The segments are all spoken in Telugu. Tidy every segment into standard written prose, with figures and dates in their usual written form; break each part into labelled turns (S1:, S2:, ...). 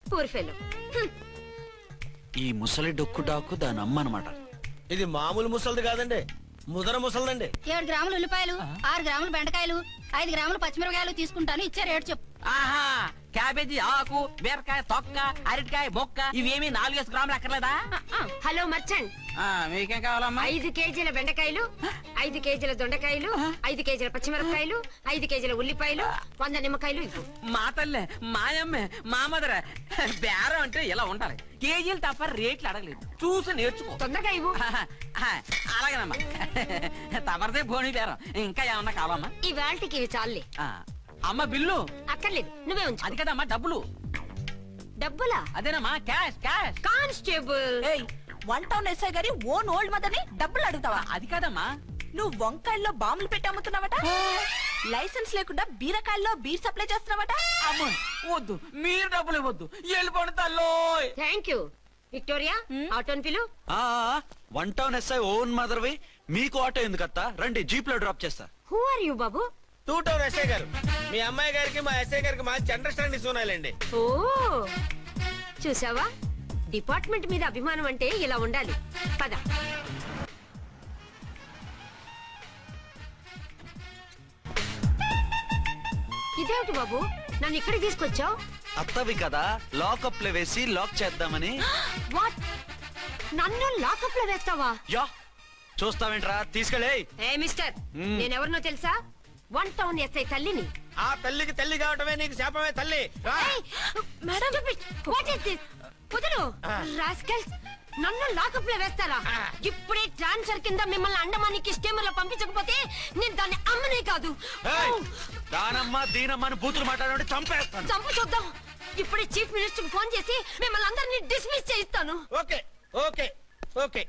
S1: Poor fellow.
S2: ఈ ముసలి డొక్కు డాకు దాని అమ్మ అనమాట.
S3: ఇది మామూలు ముసలిది కాదండి, ముదర ముసలిదండి.
S4: 7 గ్రాములు ఉల్లిపాయలు, 6 గ్రాములు బెండకాయలు, 5 గ్రాములు పచ్చిమిరపకాయలు తీసుకుంటాను. ఇచ్చే రేటు చెప్పు.
S5: ఆహా, క్యాబేజీ ఆకు, బీరకాయ తొక్క, అరటికాయ బొక్క ఇవేమి 4 గ్రాములు అక్కర్లేదా?
S1: హలో మర్చండ్,
S5: మీకేం కావాలమ్మా?
S1: 5 కేజీల బెండకాయలు, 5 కేజీల దొండకాయలు, 5 కేజీల పచ్చిమిరపకాయలు, 5 కేజీల ఉల్లిపాయలు, 100 నిమ్మకాయలు ఇవ్వు.
S5: మా తల్లే, మాయమ్మే, మా మదర బేరం అంటే ఇలా ఉండాలి. కేజీలు తప్ప రేట్లు అడగలేదు, చూసి నేర్చుకో.
S1: తొందరగా ఇవ్వు.
S5: అలాగేనమ్మా, తమరిదే భోని బేరం. ఇంకా ఏమన్నా కావాలమ్మా?
S1: ఈ వేల్టికి ఇవి చాలే.
S5: అమ్మ బిల్లు
S1: అక్కర్లేదు, నువ్వే ఉంచు.
S5: అది కదమ్మా డబ్బులు.
S1: డబ్బులా?
S5: అదేనమ్మా, cash cash.
S1: Constable,
S6: 1 town SI గారి ఓన్ ఓల్డ్ మదర్ ని డబ్బులు అడుగుతావా?
S5: అది కాదమ్మా,
S6: నువ్వు వంకాయల్లో బాంబులు పెట్టి అమ్ముతున్నావట, లైసెన్స్ లేకుండా బీరకాయల్లో బీర్ సప్లై చేస్తున్నావట.
S5: అమ్మ వద్దు, మీరు డబ్బులు ఇవ్వద్దు, వెళ్ళిపోండి తల్లో.
S1: Thank you. విక్టోరియా, ఆటోన్ పిలు.
S2: 1 టౌన్ ఎస్ఐ ఓన్ మదర్వి, మీకు ఆటో ఎందుకత్తా? రండి, జీప్ లో డ్రాప్ చేస్తా.
S1: హూ ఆర్ యూ బాబు?
S3: 2 టౌన్ ఎస్ఐ గారు, మీ అమ్మాయి గారికి మా ఎస్ఐ గారికి మంచి అండర్స్టాండింగ్ ఉన్నాయండి.
S1: ఓ చూసావా, డిపార్ట్మెంట్ మీద అభిమానం అంటే ఇలా ఉండాలి. పద. ఇదేమిటి బాబు, నన్ను ఇక్కడికి తీసుకొచ్చావు?
S2: అత్తవి కదా, లాకప్ లో వేసి లాక్ చేద్దామని.
S1: వాట్, నన్ను లాకప్ లో వేస్తావా?
S2: యా, చూస్తావేంట్రా, తీసుకెళ్ళే.
S1: ఏ మిస్టర్, నేనెవరినో తెలుసా? 1 టౌన్ ఎస్ఐ తల్లిని.
S3: ఆ తల్లికి తల్లి కావటమే నీకు శాపమే తల్లి.
S1: Madam, what is this? కుదురు రాస్కల్స్, నన్ను లాకప్ లో వేస్తారా? ఇప్పుడే ట్రాన్స్ఫర్ కింద మిమ్మల్ని అండమానికి స్టీమర్ లో పంపించకపోతే నేను దాన్ని అమ్మనే కాదు.
S2: దానమ్మ దీనమ్మ బూతులు మాట్లాడే చంపేస్తాను.
S1: చంపు చూద్దాం. ఇప్పుడే చీఫ్ మినిస్టర్ ఫోన్ చేసి మిమ్మల్ని అందరినీ డిస్మిస్ చేయిస్తాను.
S3: Okay okay okay.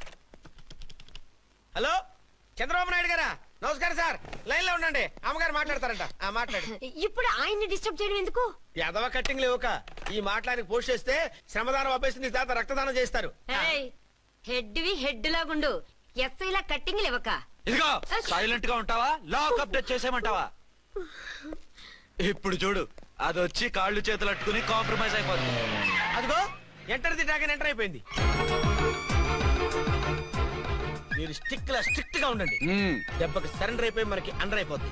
S3: Hello, Chandrababu Naidu గారా? నమస్కారం సార్, లైన్ లో ఉండండి, అమ్మగారు మాట్లాడతారంట. మాట్లాడు.
S1: ఇప్పుడు ఆయన్ని డిస్టర్బ్ చేయడం ఎందుకు?
S3: ఎదవ కట్టింగ్ లేవుక ఈ మాట్లాడికి పోస్ట్ చేస్తే శ్రమదానం అభ్యసి నీ తాత రక్తదానం చేస్తారు.
S1: హెడ్ వి హెడ్ లాగుండు, ఎస్ఐ లా కట్టింగ్ లేవక.
S2: ఇదిగో సైలెంట్ గా ఉంటావా, లాక్ అప్డేట్ చేసేమంటావా? ఇప్పుడు చూడు, అది వచ్చి కాళ్ళు చేతులు అట్టుకుని కాంప్రమైజ్ అయిపోతుంది.
S3: అదిగో ఎంటర్ ది డ్రాగన్ ఎంటర్ అయిపోయింది. మీరు స్ట్రిక్ట్ గా ఉండండి, దెబ్బకి సరెండర్ అయిపోయి మనకి అండర్ అయిపోద్ది.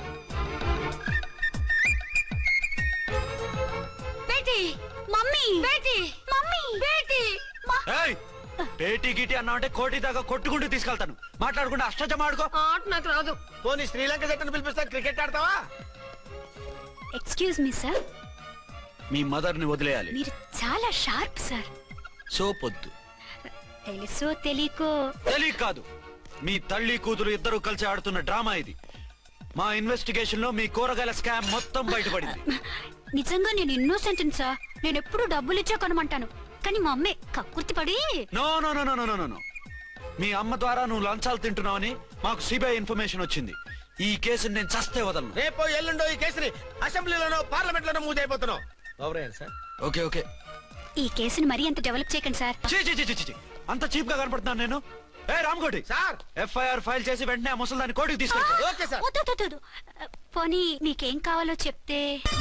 S1: బేటీ, మమ్మీ, బేటీ, మమ్మీ, బేటీ.
S2: పేటీ గిటి అన్నా అంటే కోటి దాకా కొట్టుకుంటూ తీసుకెళ్తాను. మాట్లాడుకుంటూ అష్టజమ ఆడుకో.
S1: ఆట నాకు రాదు.
S3: పోనీ శ్రీలంక జట్టును పిలిపిస్తా, క్రికెట్ ఆడతావా?
S4: ఎక్స్క్యూజ్ మీ సార్,
S2: మీ మదర్ ని వదిలేయాలి.
S4: మీరు చాలా షార్ప్ సార్.
S2: సోపొద్దు.
S4: తెలుసో తెలియకో.
S2: తెలియ కాదు, మీ తల్లి కూతురు ఇద్దరు కలిసి ఆడుతున్న డ్రామా ఇది. మా ఇన్వెస్టిగేషన్ లో మీ కూరగాయల స్కామ్ మొత్తం బయటపడింది.
S4: నిజంగా నేను ఇన్నోసెంట్ సార్. నేను ఎప్పుడు డబ్బులు ఇచ్చా కొనమంటాను, కానీ మా అమ్మే కక్కుర్తి పడి.
S2: No no no no no no, మీ అమ్మ ద్వారా నువ్వు లంచాలు తింటున్నావని మాకు సిబిఐ ఇన్ఫర్మేషన్ వచ్చింది. ఈ కేసుని నేను చస్తే వదలను.
S3: రేపో ఎల్లుండో ఈ కేసుని అసెంబ్లీలోనో పార్లమెంట్ లోనో మూవ్ అయిపోతున్నావు. సార్
S2: ఓకే ఓకే,
S4: ఈ కేసుని మరీ అంత డెవలప్ చేయకండి సార్.
S2: అంత చీప్ గా కనపడుతున్నాను నేను? ఏ రామ్కోటి
S3: సార్,
S2: ఎఫ్ఐఆర్ ఫైల్ చేసి వెంటనే ఆ ముసలిదాన్ని కోర్టుకు తీసుకెళ్ళి.
S3: Okay sir.
S4: పోనీ మీకేం కావాలో చెప్తే.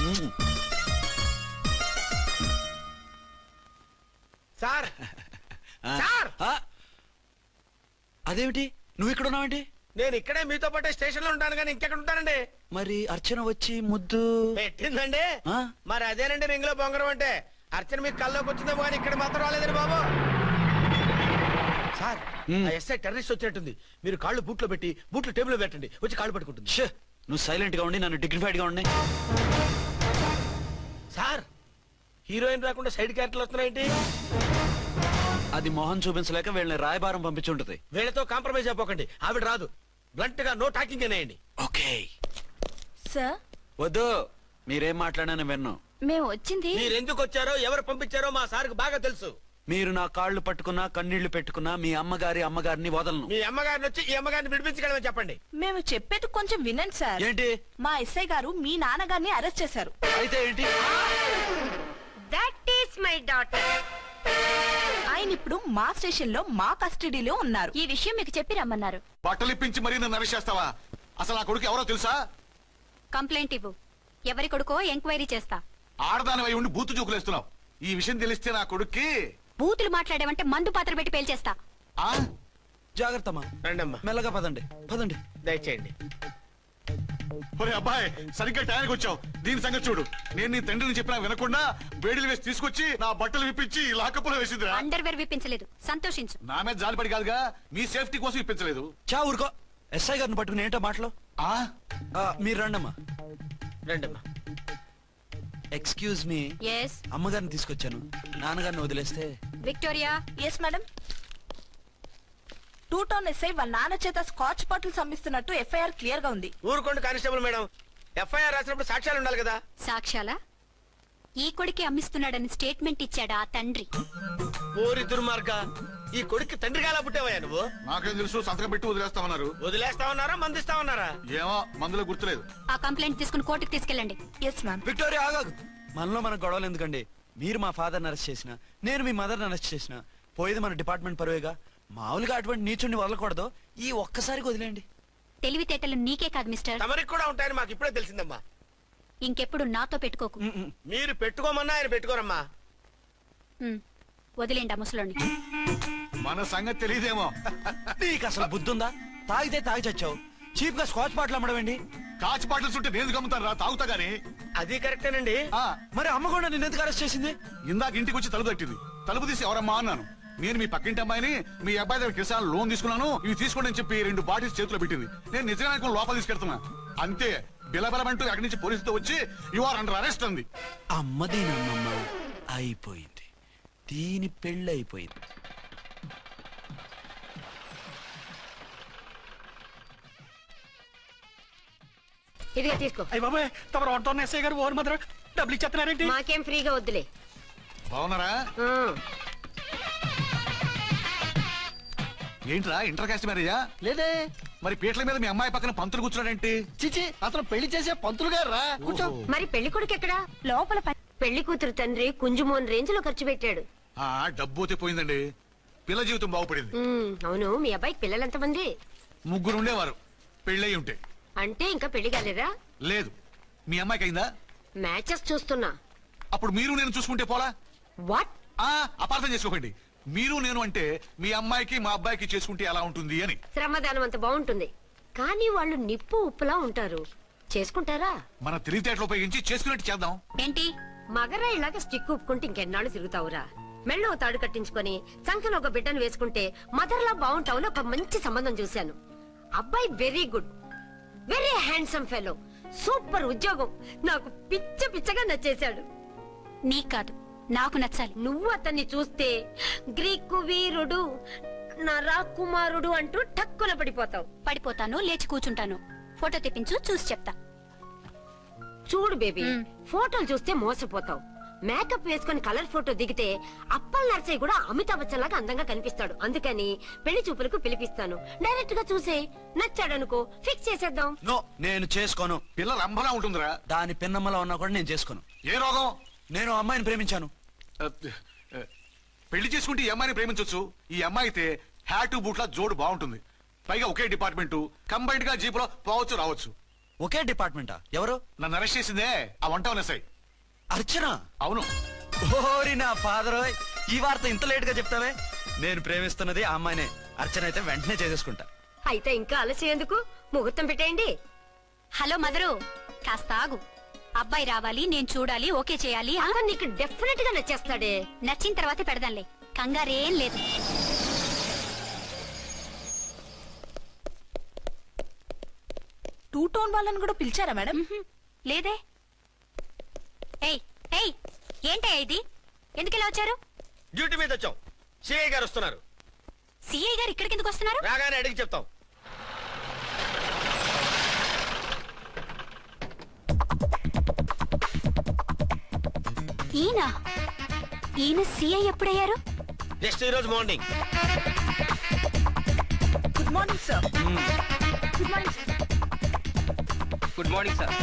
S3: సార్ సార్,
S2: అదేమిటి నువ్వు ఇక్కడ ఉన్నావేంటి?
S3: నేను ఇక్కడే మీతో పాటే స్టేషన్ లో ఉంటాను, కానీ ఇంకెక్కడ ఉంటానండి?
S2: మరి అర్చన వచ్చి ముద్దు
S3: పెట్టిందండి. మరి అదేనండి రింగ్ లో బొంగరం అంటే. అర్చన మీకు కల్లోకి వచ్చిందేమో కానీ ఇక్కడ మాత్రం రాలేదండి బాబు. సార్, ఎస్ఐ టెర్రరిస్ట్ వచ్చినట్టుంది. మీరు కాళ్ళు బూట్లో పెట్టి బూట్లు టేబుల్ పెట్టండి, వచ్చి కాళ్ళు పట్టుకుంటుంది.
S2: నువ్వు సైలెంట్ గా ఉండి నన్ను డిగ్నిఫైడ్ గా ఉండి.
S3: సార్, హీరోయిన్ రాకుండా సైడ్ క్యారెక్టర్లు వస్తున్నాయేంటి?
S2: అది మొహం చూపించలేక వీళ్ళని రాయబారం పంపించుంటది.
S3: వీళ్ళతో కాంప్రమైజ్ అయిపోకండి, ఆవిడ రాదు. బ్లంట్ గా నో టాకింగ్ అనేయండి.
S2: Okay
S6: sir.
S2: వద్దు, మీరేం మాట్లాడానని విన్నాం.
S6: మేము వచ్చింది.
S3: మీరెందుకు వచ్చారో ఎవరు పంపించారో మా సార్కి బాగా తెలుసు.
S2: మీరు నా కాళ్ళు పట్టుకున్నా కన్నీళ్లు పెట్టుకున్నా మీ అమ్మగారిని వదలను.
S3: మీ అమ్మగారిని వచ్చి ఈ అమ్మగారిని విడిపించగలమని చెప్పండి.
S6: మేము చెప్పేది కొంచెం వినండి సార్.
S2: ఏంటి?
S6: మా ఎస్ఐ గారు మీ నాన్నగారిని అరెస్ట్ చేశారు.
S2: అయితే ఏంటి?
S1: That is my daughter.
S6: ఆయన ఇప్పుడు మా స్టేషన్ లో మా కస్టడీలో ఉన్నారు.
S4: ఈ విషయం మీకు చెప్పి రమ్మన్నారు.
S7: బట్టలిప్పించి మరీ నన్ను అరెస్ట్ చేస్తావా? అసలు నా కొడుకు ఎవరో తెలుసా?
S4: కంప్లైంట్ ఇవ్వు, ఎవరి కొడుకో ఎంక్వైరీ చేస్తా.
S7: ఆడదానివై ఉండి బూతు చూకులేస్తున్నావు. ఈ విషయం తెలిస్తే నా కొడుక్కి
S4: బూతులు మాట్లాడేవంటే మందు పాత్ర పెట్టి పేల్చేస్తా.
S7: ఆ
S2: జాగ్రత్తమ్మా.
S3: రండమ్మా,
S2: మెల్లగా పదండి పదండి.
S3: దయచేయండి.
S7: ఒరే అబ్బాయి, సరిగ్గా టైంకి వచ్చావు. దీని సంగతి చూడు. నేను నీ తండ్రిని చెప్పినా వినకుండా వేడిలు వేసి తీసుకొచ్చి నా బట్టలు విప్పించి లాకప్పులో వేసిందిరా.
S4: అండర్వేర్ విప్పించలేదు, సంతోషించు.
S7: నా మీద జాలిపడి కాదుగా, మీ సేఫ్టీ కోసం ఇప్పించలేదు.
S2: చా ఊరుకో. ఎస్ఐ గారిని పట్టుకుని ఏంటో మాటలు.
S7: ఆ
S2: మీరు రండమ్మా.
S3: రండమ్మా.
S2: Excuse me.
S4: ఎస్
S2: అమ్మగారిని తీసుకొచ్చాను. నాన్నగారిని వదిలేస్తే.
S4: Victoria.
S6: Yes madam. 2 town SI వాళ్ళ నాన్న చేత స్కాచ్ బాటిల్స్ అమ్మిస్తున్నట్టు ఎఫ్ఐఆర్ క్లియర్ గా ఉంది.
S3: ఊరుకోండి కానిస్టేబుల్ మేడం. ఎఫ్ఐఆర్ రాసినప్పుడు సాక్ష్యాలు ఉండాలి కదా.
S4: సాక్ష్యాలా? ఈ కొడుకే అమ్మిస్తున్నాడని స్టేట్మెంట్ ఇచ్చాడా ఆ తండ్రి?
S3: ఓరి దుర్మార్గ, ఈ కొడుక్కి తండ్రిగా ఎలా పుట్టావయ్యా నువ్వు?
S7: నాకేం తెలుసు, సంతకం పెట్టి వదిలేస్తామన్నారు.
S3: వదిలేస్తామన్నారా మందిస్తామన్నారా?
S7: ఏమో, మందులో గుర్తులేదు.
S4: ఆ కంప్లైంట్ తీసుకుని కోర్టుకు తీసుకెళ్ళండి.
S6: Yes ma'am.
S2: విక్టోరియా ఆగాగు. మనలో మన గొడవలు ఎందుకండి? మీరు మా ఫాదర్ని అరెస్ట్ చేసిన, నేను మీ మదర్ని అరెస్ట్ చేసిన, పోయేది మన డిపార్ట్మెంట్ పరువేగా. మామూలుగా అటువంటి నీచుడిని వదలకూడదు. ఈ ఒక్కసారికి వదిలేండి.
S4: తెలివితేటలు నీకే కాదు మిస్టర్,
S3: తమరికి కూడా ఉంటాయని మాకు ఇప్పుడే తెలిసిందమ్మా.
S4: ఇంకెప్పుడు నాతో పెట్టుకోకు.
S3: మీరు పెట్టుకోమన్నా ఆయన పెట్టుకోరమ్మా.
S4: వదిలేండి ఆ ముసలోని.
S7: మన సంగతి తెలియదేమో.
S2: నీకు అసలు బుద్ధుందా? తాగితే తాగి చచ్చావు. చీప్ గా స్కాచ్ బాటిల్ అమ్మడమేంటి?
S7: కాచి పాటలు చుట్టూ నేను గమ్ముతాను రా, తాగుతా గానీ.
S3: అది కరెక్టేనండి.
S2: మరి అమ్మ కూడా నిన్ను ఎందుకు అరెస్ట్ చేసింది?
S7: ఇందాక ఇంటికి వచ్చి తలుపు తట్టింది. తలుపు తీసి ఎవరమ్మా అన్నాను. నేను మీ పక్కింటి అమ్మాయిని, మీ అబ్బాయి దగ్గర కిసాన్ లోన్ తీసుకున్నాను, ఇవి తీసుకోండి అని చెప్పి 2 బాటిల్స్ చేతిలో పెట్టింది. నేను నిజంగా లోపల తీసుకెళ్తున్నా. అంతే, బిలబలమంటూ అక్కడి నుంచి పోలీసుతో వచ్చి యు ఆర్ అండర్ అరెస్ట్ అంది.
S2: అమ్మదేనమ్మమ్మ అయిపోయింది. దీని పెళ్ళి అయిపోయింది.
S1: ఇదిగా తీసుకో.
S8: అయ్య బాబాయ్, తమరు వంట ఎస్ఐ గారు ఓన్ మాత్రం డబ్బులు ఇచ్చేస్తున్నారేంటి?
S1: మాకేం ఫ్రీగా వద్దులే.
S7: బాగున్నారా? ఏంట్రా ఇంటర్ కాస్ట్ మ్యారేజా?
S8: లేదే.
S7: మరి పీటల మీద మీ అమ్మాయి పక్కన పంతులు కూర్చున్నాడేంటి?
S8: చిచి, అతను పెళ్లి చేసే పంతులు గారు రా. కూర్చో.
S1: మరి పెళ్లి కొడుకు ఎక్కడా?
S6: లోపల
S1: పెళ్లి కూతురు తండ్రి కుంజుమోన్ రేంజ్ లో ఖర్చు పెట్టాడు.
S7: ఆ డబ్బు అయితే పోయిందండి, పిల్ల జీవితం బాగుపడింది.
S1: అవును, మీ అబ్బాయికి పిల్లలు ఎంతమంది?
S7: 3 ఉండేవారు, పెళ్ళయి ఉంటే.
S1: అంటే ఇంకా పెళ్లి కాలేదా?
S7: లేదు. మీ అమ్మాయికి అయిందా?
S1: మ్యాచెస్ చూస్తున్నా.
S7: అప్పుడు మీరు నేను చూసుకుంటే పోలా?
S1: వాట్?
S7: అపార్థం చేసుకోకండి. మీరు నేను అంటే మీ అమ్మాయికి మా అబ్బాయికి చేసుకుంటే ఎలా ఉంటుంది అని.
S1: శ్రమదానం అంత బాగుంటుంది, కానీ వాళ్ళు నిప్పు ఉప్పులా ఉంటారు. చేసుకుంటారా?
S7: మన తెలివితేటలు ఉపయోగించి చేసుకున్నట్టు చేద్దాం.
S4: ఏంటి?
S1: మగరా ఇలాగ స్టిక్ ఉప్పుకుంటే ఇంకెన్నాళ్ళు తిరుగుతావురా? మెళ్ళో తాడు కట్టించుకొని సంఖ్యలో ఒక బిడ్డను వేసుకుంటే మదర్లా బాగుంటావుని ఒక మంచి సంబంధం చూశాను. అబ్బాయి very good, very handsome fellow, super ఉద్యోగం. నాకు పిచ్చగా నచ్చేశాడు.
S4: నీకు కాదు, నాకు నచ్చాలి.
S1: నువ్వు అతన్ని చూస్తే గ్రీకు వీరుడు, నా రాకుమారుడు అంటూ టక్కున పడిపోతావు.
S4: పడిపోతాను, లేచి కూర్చుంటాను. ఫోటో తెప్పించు, చూసి చెప్తా.
S1: చూడు బేబీ, ఫోటోలు చూస్తే మోసపోతావు. మేకప్ వేసుకుని కలర్ ఫోటో దిగితే అప్పల్ నర్సయ్య కూడా అమితాబ్ బచ్చన్ లాగా అందంగా కనిపిస్తాడు. అందుకని పెళ్లి చూపులకు పిలిపిస్తాను. డైరెక్ట్ గా చూసే నచ్చాడనుకో, ఫిక్స్ చేసేద్దాం.
S2: నో, నేను చేసుకోను.
S7: పిల్ల రంభలా ఉంటుందిరా.
S2: దాని పిన్నమ్మలా ఉన్నా కూడా నేను చేసుకోను.
S7: ఏ రోగం?
S2: నేను అమ్మాయిని ప్రేమించాను.
S7: పెళ్లి చేసుకుంటే ఈ అమ్మాయిని ప్రేమించొచ్చు. ఈ అమ్మాయి అయితే హ్యాటు బూట్ల జోడు బాగుంటుంది. పైగా ఒకే డిపార్ట్మెంట్, కంబైన్డ్ గా జీపులో పోవచ్చు రావచ్చు.
S2: ఒకే డిపార్ట్మెంటా? ఎవరు?
S7: నన్ను అరెస్ట్ చేసిందే ఆ వంట ఎస్ఐ.
S2: అర్చన?
S7: అవును.
S2: ఓరి నా ఫాదర్, ఈ వార్త ఇంత లేట్ గా చెప్తావే. నేను ప్రేమిస్తున్నది ఆ అమ్మాయినే. అర్చన అయితే వెంటనే చేసేసుకుంటా.
S1: అయితే ఇంకా ఆలస్యం ఎందుకు? ముహూర్తం పెట్టేయండి.
S4: హలో మదరు, కాస్త ఆగు. అబ్బాయి రావాలి, నేను చూడాలి, ఓకే చేయాలి.
S1: అతను నీకు డెఫినెట్ గా నచ్చేస్తాడే.
S4: నచ్చిన తర్వాతే పెడదాంలే, కంగారేం లేదు.
S6: టూ టౌన్ వాళ్ళని కూడా పిలిచారా మేడం?
S4: లేదే. ఏయ్ ఏయ్, ఏంటయ్యా ఇది? ఎందుకెలా వచ్చారు?
S3: డ్యూటీ మీద వచ్చాం. సిఐ గారు వస్తున్నారు.
S4: సిఐ గారు ఇక్కడికి ఎందుకు వస్తున్నారు?
S3: రాగానే అడిగి చెప్తాం.
S4: ఈయన సిఐ ఎప్పుడయ్యారు?
S3: నెక్స్ట్ ఈ రోజు morning.
S6: Good morning sir. Good morning sir.
S5: Good morning sir.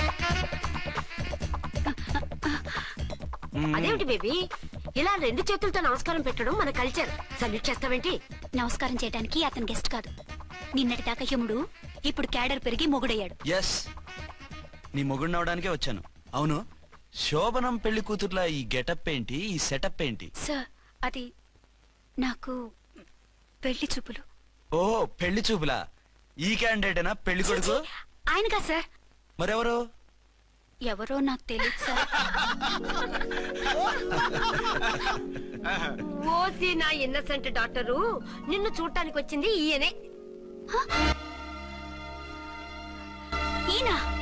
S1: అదేమిటి బేబీ, ఇలా 2 చేతులతో నమస్కారం పెట్టడం మన కల్చర్. సల్యూట్ చేస్తావేంటి?
S4: నమస్కారం చేయడానికి అతను గెస్ట్ కాదు. నిన్నటి దాకా యముడు, ఇప్పుడు క్యాడర్ పెరిగి మొగుడయ్యాడు.
S2: ఎస్, నీ మొగుడిని అవడానికే వచ్చాను. అవును, శోభనం పెళ్లి కూతుర్లా ఈ గెటప్ ఏంటి, ఈ సెటప్ ఏంటి?
S4: సార్ అది నాకు పెళ్లి చూపులు.
S2: ఓ పెళ్లి చూపులా? ఈ క్యాండిడేటేనా పెళ్లి కొడుకు?
S4: ఆయనగా సార్.
S2: మరెవరు?
S4: ఎవరో నాకు తెలియదు సార్.
S1: ఓసి నా ఇన్నసెంట్ డాక్టరు, నిన్ను చూడటానికి వచ్చింది ఈయనే.
S4: ఈయన